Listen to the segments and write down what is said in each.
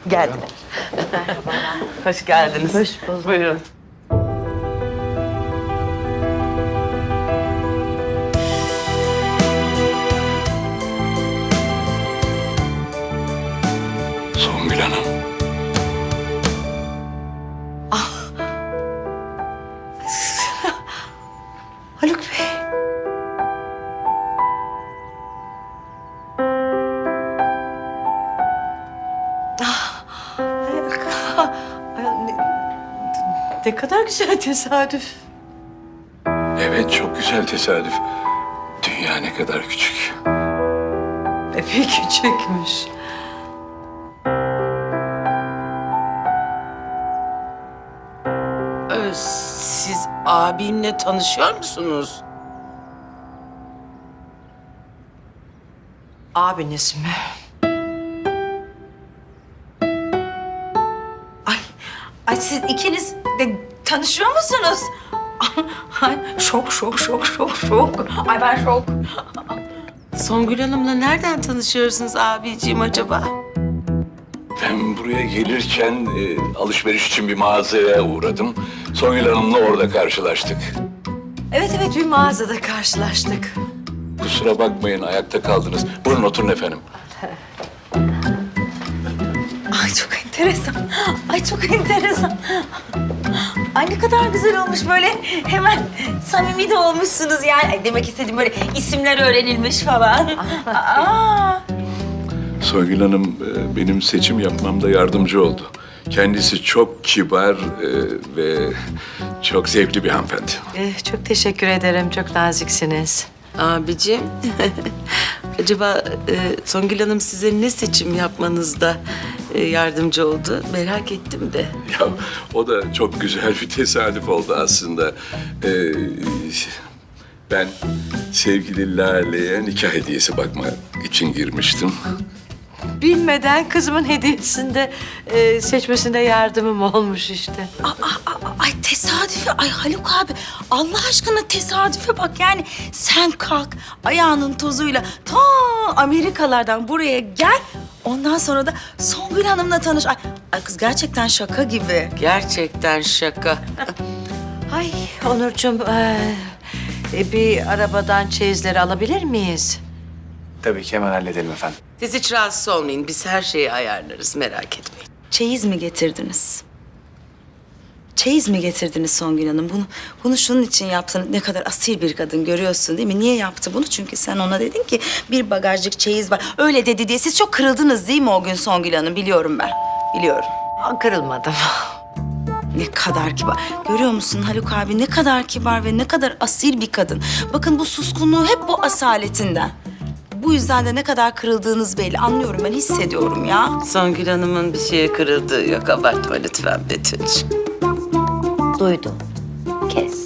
Geldiler. Hoş geldiniz. Hoş bulduk. Buyurun. Songül Hanım. Haluk Bey. Ay, ne kadar güzel tesadüf. Evet, çok güzel tesadüf. Dünya ne kadar küçük. Epey küçükmüş. Siz abimle tanışıyor musunuz? Abiniz mi? Ay siz ikiniz de tanışıyor musunuz? Ay şok. Ay ben şok. Songül Hanım'la nereden tanışıyorsunuz abiciğim acaba? Ben buraya gelirken alışveriş için bir mağazaya uğradım. Songül Hanım'la orada karşılaştık. Evet bir mağazada karşılaştık. Kusura bakmayın, ayakta kaldınız. Buyurun oturun efendim. Ay çok enteresan. Ay çok enteresan. Ay ne kadar güzel olmuş böyle. Hemen samimi de olmuşsunuz yani. Ay, demek istediğim böyle isimler öğrenilmiş falan. Aa. Songül Hanım benim seçim yapmamda yardımcı oldu. Kendisi çok kibar ve çok zevkli bir hanımefendi. Çok teşekkür ederim. Çok naziksiniz. Abiciğim, acaba Songül Hanım size ne seçim yapmanızda yardımcı oldu? Merak ettim de. Ya o da çok güzel bir tesadüf oldu aslında. Ben sevgili Lale'ye nikah hediyesi bakmak için girmiştim. Bilmeden kızımın hediyesinde seçmesinde yardımım olmuş işte. Ay tesadüfe, ay Haluk abi Allah aşkına tesadüfe bak yani sen kalk ayağının tozuyla ta Amerikalardan buraya gel ondan sonra da Songül Hanım'la tanış. Ay kız gerçekten şaka gibi. Gerçekten şaka. Ay Onurcuğum, bir arabadan çeyizleri alabilir miyiz? Tabii ki hemen halledelim efendim. Siz hiç rahatsız olmayın. Biz her şeyi ayarlarız. Merak etmeyin. Çeyiz mi getirdiniz? Çeyiz mi getirdiniz Songül Hanım? Bunu şunun için yaptın. Ne kadar asil bir kadın görüyorsun değil mi? Niye yaptı bunu? Çünkü sen ona dedin ki bir bagajcık çeyiz var. Öyle dedi diye siz çok kırıldınız değil mi o gün Songül Hanım? Biliyorum ben. Biliyorum. Kırılmadım. Ne kadar kibar. Görüyor musun Haluk abi ne kadar kibar ve ne kadar asil bir kadın. Bakın bu suskunluğu hep bu asaletinden. Bu yüzden de ne kadar kırıldığınız belli. Anlıyorum ben hissediyorum ya. Songül Hanım'ın bir şeye kırıldığı yok. Abartma lütfen Betül'cüğüm. Duydum. Kes.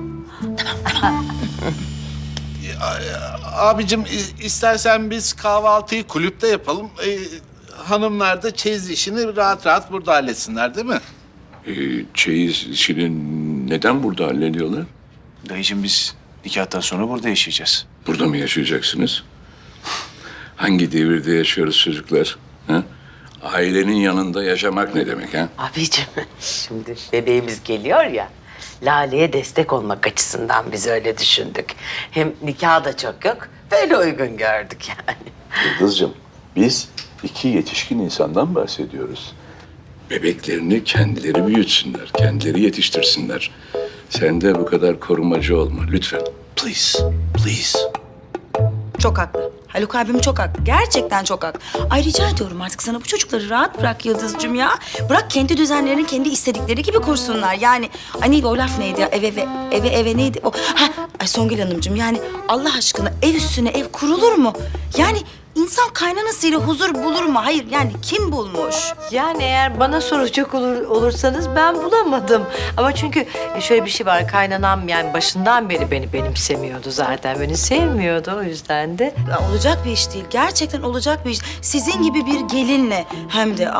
Abicim istersen biz kahvaltıyı kulüpte yapalım. Hanımlar da çeyiz işini rahat rahat burada halletsinler değil mi? Çeyiz işini neden burada hallediyorlar? Dayıcığım biz nikahtan sonra burada yaşayacağız. Burada mı yaşayacaksınız? Hangi devirde yaşıyoruz çocuklar? Ha? Ailenin yanında yaşamak ne demek ha? Abicim, şimdi bebeğimiz geliyor ya. Lale'ye destek olmak açısından biz öyle düşündük. Hem nikah da çok yok. Böyle uygun gördük yani. Yıldız'cığım, biz iki yetişkin insandan bahsediyoruz. Bebeklerini kendileri büyütsünler, kendileri yetiştirsinler. Sen de bu kadar korumacı olma lütfen. Please, please. Çok haklı. Haluk abim çok haklı. Gerçekten çok haklı. Ay rica ediyorum artık sana bu çocukları rahat bırak Yıldız'cığım ya. Bırak kendi düzenlerini kendi istedikleri gibi kursunlar. Yani ay neydi o laf neydi ya? Eve neydi o? Ay Songül Hanımcığım yani Allah aşkına ev üstüne ev kurulur mu? Yani insan kaynanasıyla huzur bulur mu? Hayır yani kim bulmuş? Yani eğer bana soracak olursanız ben bulamadım. Ama çünkü şöyle bir şey var. Kaynanam yani başından beri beni benimsemiyordu zaten. Beni sevmiyordu o yüzden de. Ya olacak bir iş değil. Gerçekten olacak bir iş. Sizin gibi bir gelinle hem de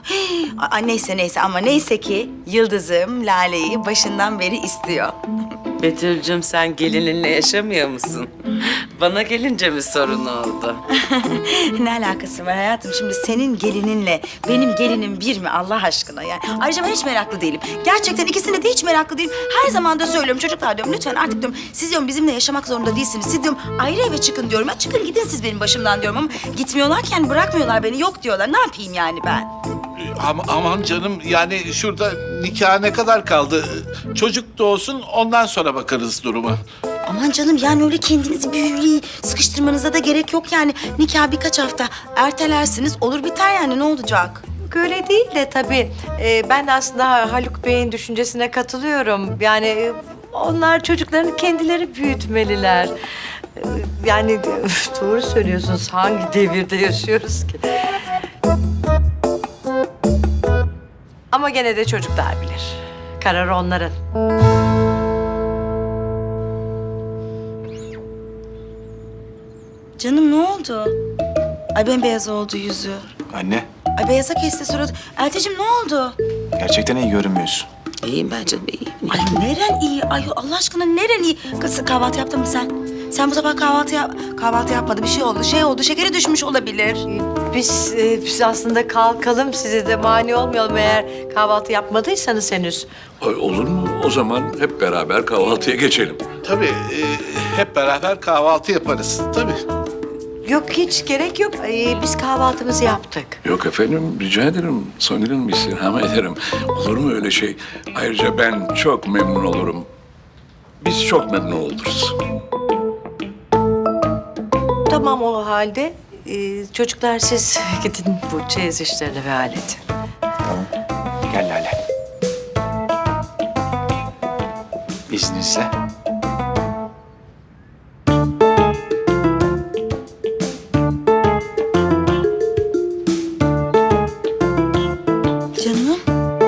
neyse ama neyse ki Yıldız'ım Lale'yi başından beri istiyor. Betül'cüm sen gelininle yaşamıyor musun? Bana gelince mi sorun oldu? Ne alakası var hayatım? Şimdi senin gelininle benim gelinim bir mi Allah aşkına yani? Ayrıca ben hiç meraklı değilim. Gerçekten ikisine de hiç meraklı değilim. Her zaman da söylüyorum çocuklar diyorum lütfen artık diyorum siz diyorum bizimle yaşamak zorunda değilsiniz. Siz diyorum ayrı eve çıkın diyorum. Ya çıkın gidin siz benim başımdan diyorum ama gitmiyorlarken bırakmıyorlar beni yok diyorlar. Ne yapayım yani ben? Aman canım yani şurada nikaha ne kadar kaldı? Çocuk doğsun ondan sonra bakarız duruma. Aman canım yani öyle kendinizi bir sıkıştırmanıza da gerek yok yani. Nikah birkaç hafta ertelersiniz olur biter yani ne olacak? Öyle değil de tabii ben de aslında Haluk Bey'in düşüncesine katılıyorum. Yani onlar çocuklarını kendileri büyütmeliler. Yani doğru söylüyorsunuz. Hangi devirde yaşıyoruz ki? Ama gene de çocuklar bilir. Karar onların. Canım ne oldu? Ay bembeyaz oldu yüzü. Anne, Ay beyaza kesti suratı. Elteciğim ne oldu? gerçekten iyi görünmüyorsun. İyiyim ben canım, iyiyim. Ay neren iyi? Ay Allah aşkına neren iyi? Kız kahvaltı yaptın mı sen? Sen bu sabah kahvaltı yapmadı. Bir şey oldu. Şey oldu. Şekeri düşmüş olabilir. Biz aslında kalkalım, size de mani olmayalım eğer kahvaltı yapmadıysanız henüz. Ay, olur mu? O zaman hep beraber kahvaltıya geçelim. Tabii hep beraber kahvaltı yaparız. Tabii. Yok hiç gerek yok. Biz kahvaltımızı yaptık. Yok efendim, rica ederim. Songül Hanım, istirham ederim. Olur mu öyle şey? Ayrıca ben çok memnun olurum. Biz çok memnun oluruz. Tamam o halde. Çocuklar siz gidin bu çeyiz işlerini ve halledin. Tamam. Gel Lale. İzninizle. Canım.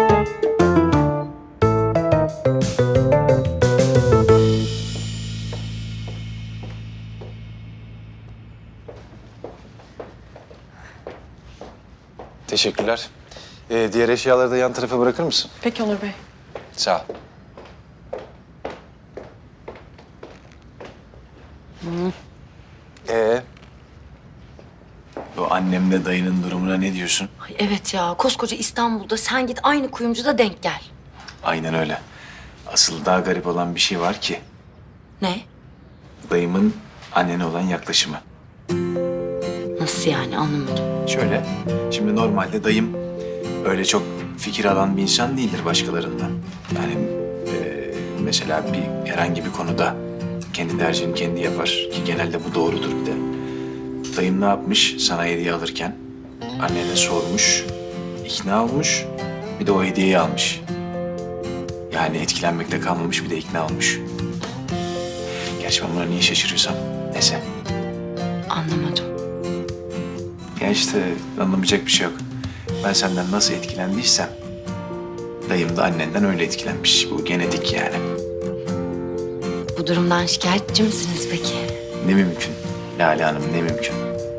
Teşekkürler. Diğer eşyaları da yan tarafa bırakır mısın? Peki Onur Bey. Sağ ol. Bu annemle dayının durumuna ne diyorsun? Ay evet ya koskoca İstanbul'da sen git aynı kuyumcuda denk gel. Aynen öyle. Asıl daha garip olan bir şey var ki. Ne? Dayımın annene olan yaklaşımı. Nasıl yani anlamadım. Şöyle, şimdi normalde dayım öyle çok fikir alan bir insan değildir başkalarından. Yani mesela herhangi bir konuda kendi tercihini kendi yapar ki genelde bu doğrudur bir de. Dayım ne yapmış sana hediye alırken? Annene sormuş, ikna olmuş, bir de o hediyeyi almış. Yani etkilenmekte kalmamış bir de ikna olmuş. Gerçi ben buna niye şaşırıyorsam neyse. Anlamadım. Ya işte anlamayacak bir şey yok. Ben senden nasıl etkilendiysem dayım da annenden öyle etkilenmiş. Bu genetik yani. Bu durumdan şikayetçi misiniz peki? Ne mümkün Lale Hanım, ne mümkün.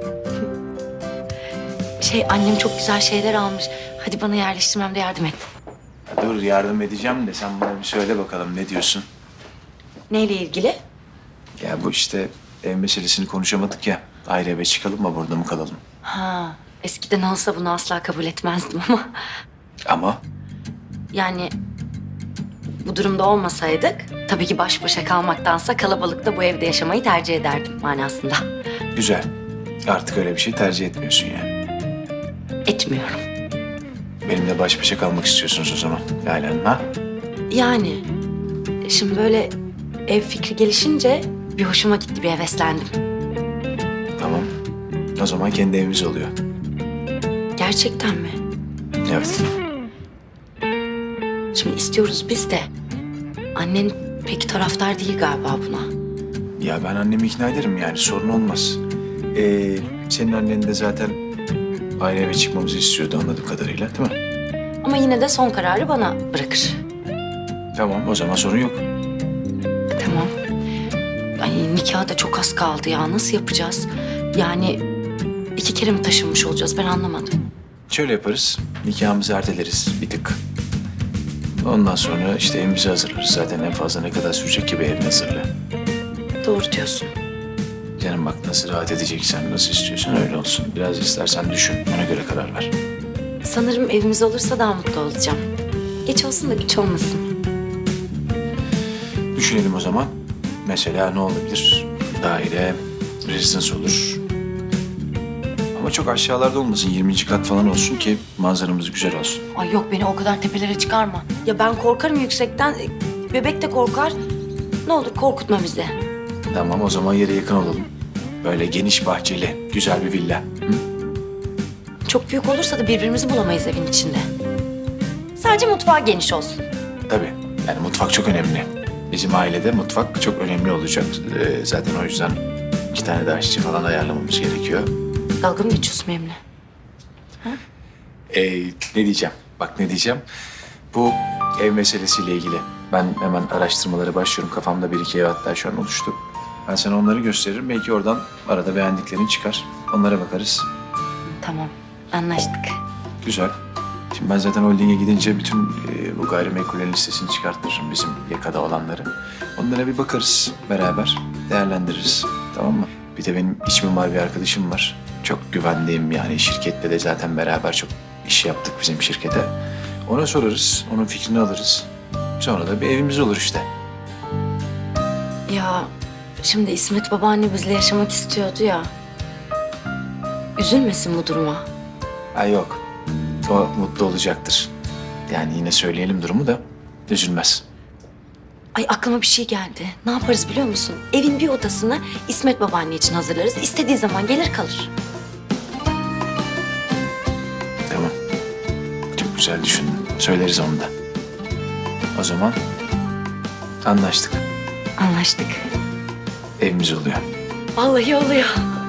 Annem çok güzel şeyler almış. Hadi bana yerleştirmemde yardım et. Ya dur yardım edeceğim de sen bana bir söyle bakalım ne diyorsun? Neyle ilgili? Ya bu işte ev meselesini konuşamadık ya. Ayrı eve çıkalım mı burada mı kalalım? Ha, eskiden olsa bunu asla kabul etmezdim ama... Ama Yani bu durumda olmasaydık tabii ki baş başa kalmaktansa kalabalıkta bu evde yaşamayı tercih ederdim manasında. güzel. Artık öyle bir şey tercih etmiyorsun yani. Etmiyorum. Benimle baş başa kalmak istiyorsunuz o zaman Lale Hanım ha? Yani şimdi böyle ev fikri gelişince bir hoşuma gitti, bir heveslendim. Tamam. O zaman kendi evimiz oluyor. Gerçekten mi? Evet. Şimdi istiyoruz biz de. Annen pek taraftar değil galiba buna. Ya ben annemi ikna ederim yani sorun olmaz. Senin annen de zaten ayrı eve çıkmamızı istiyordu anladığım kadarıyla değil mi? Ama yine de son kararı bana bırakır. Tamam o zaman sorun yok. Tamam. Ay nikah da çok az kaldı ya. Nasıl yapacağız? Yani 2 kere mi taşınmış olacağız? Ben anlamadım. Şöyle yaparız nikahımızı erteleriz bir tık. Ondan sonra işte evimizi hazırlarız. Zaten en fazla ne kadar sürecek ki bir evin hazırlığı. Doğru diyorsun. Canım bak nasıl rahat edeceksen, nasıl istiyorsan öyle olsun. Biraz istersen düşün, ona göre karar ver. Sanırım evimiz olursa daha mutlu olacağım. Geç olsun da güç olmasın. Düşünelim o zaman. Mesela ne olabilir? Daire, rezidans olur. Ama çok aşağılarda olmasın. 20. kat falan olsun ki manzaramız güzel olsun. Ay yok beni o kadar tepelere çıkarma. Ya ben korkarım yüksekten. Bebek de korkar. Ne olur korkutma bizi. Tamam o zaman yere yakın olalım. Böyle geniş bahçeli, güzel bir villa. Hı? Çok büyük olursa da birbirimizi bulamayız evin içinde. Sadece mutfağı geniş olsun. Tabii. Yani mutfak çok önemli. Bizim ailede mutfak çok önemli olacak. Zaten o yüzden 2 tane de aşçı falan ayarlamamız gerekiyor. Dalga mı geçiyorsun benimle? Ne diyeceğim? Bak ne diyeceğim. Bu ev meselesiyle ilgili. Ben hemen araştırmalara başlıyorum. Kafamda 1-2 ev hatta şu an oluştu. Ben sana onları gösteririm. Belki oradan arada beğendiklerin çıkar. Onlara bakarız. Tamam, anlaştık. Güzel. Şimdi ben zaten holdinge gidince bütün bu gayrimenkullerin listesini çıkartırım bizim yakada olanları. Onlara bir bakarız beraber, değerlendiririz. Tamam mı? Bir de benim iç mimar bir arkadaşım var. Çok güvendiğim yani şirkette de zaten beraber çok iş yaptık bizim şirkete. Ona sorarız, onun fikrini alırız. Sonra da bir evimiz olur işte. Ya şimdi İsmet babaanne bizle yaşamak istiyordu ya. Üzülmesin bu duruma. Ha yok, o mutlu olacaktır. Yani yine söyleyelim durumu da üzülmez. Ay aklıma bir şey geldi. Ne yaparız biliyor musun? Evin bir odasını İsmet babaanne için hazırlarız. İstediği zaman gelir kalır. Tamam. Çok güzel düşündün. Söyleriz onu da. O zaman anlaştık. Anlaştık. Evimiz oluyor. Vallahi oluyor.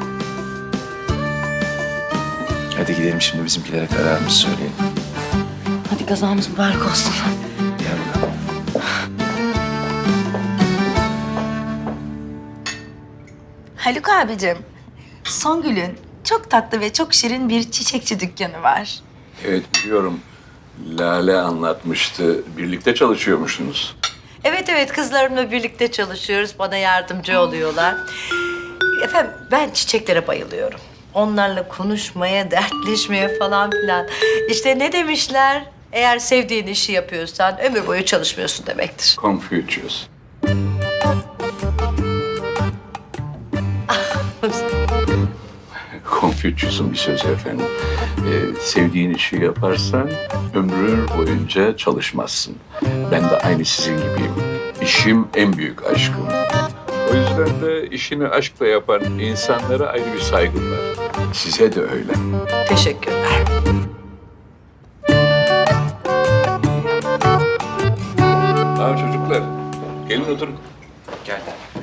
Hadi gidelim şimdi bizimkilere kararımızı söyleyelim. Hadi kazamız mübarek olsun. Gel bakalım. Haluk abicim, Songül'ün çok tatlı ve çok şirin bir çiçekçi dükkanı var. Evet biliyorum. Lale anlatmıştı. Birlikte çalışıyormuşsunuz. Evet kızlarımla birlikte çalışıyoruz. Bana yardımcı oluyorlar. Efendim ben çiçeklere bayılıyorum. Onlarla konuşmaya, dertleşmeye falan filan. İşte ne demişler? Eğer sevdiğin işi yapıyorsan ömür boyu çalışmıyorsun demektir. Confucius. Confucius'un bir sözü efendim. Sevdiğin işi yaparsan ömrün boyunca çalışmazsın. Ben de aynı sizin gibiyim. İşim en büyük aşkım. O yüzden de işini aşkla yapan insanlara ayrı bir saygım var. Size de öyle. Teşekkürler. Tamam çocuklar. Gelin oturun. Gel.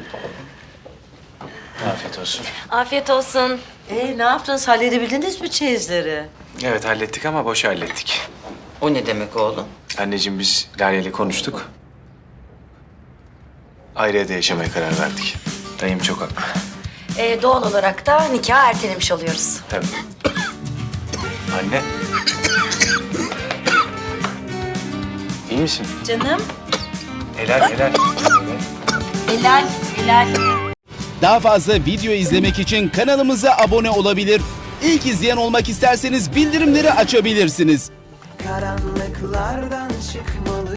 Afiyet olsun. Afiyet olsun. Ne yaptınız? Halledebildiniz mi çeyizleri? Evet hallettik ama boş hallettik. O ne demek oğlum? Anneciğim biz Lale ile konuştuk. Ayrı evde yaşamaya karar verdik. Dayım çok haklı. Doğal olarak da nikahı ertelemiş oluyoruz. Tabii. Anne. İyi misin? Canım, Helal. helal. Daha fazla video izlemek için kanalımıza abone olabilir. İlk izleyen olmak isterseniz bildirimleri açabilirsiniz. Karanlıklardan çıkmalı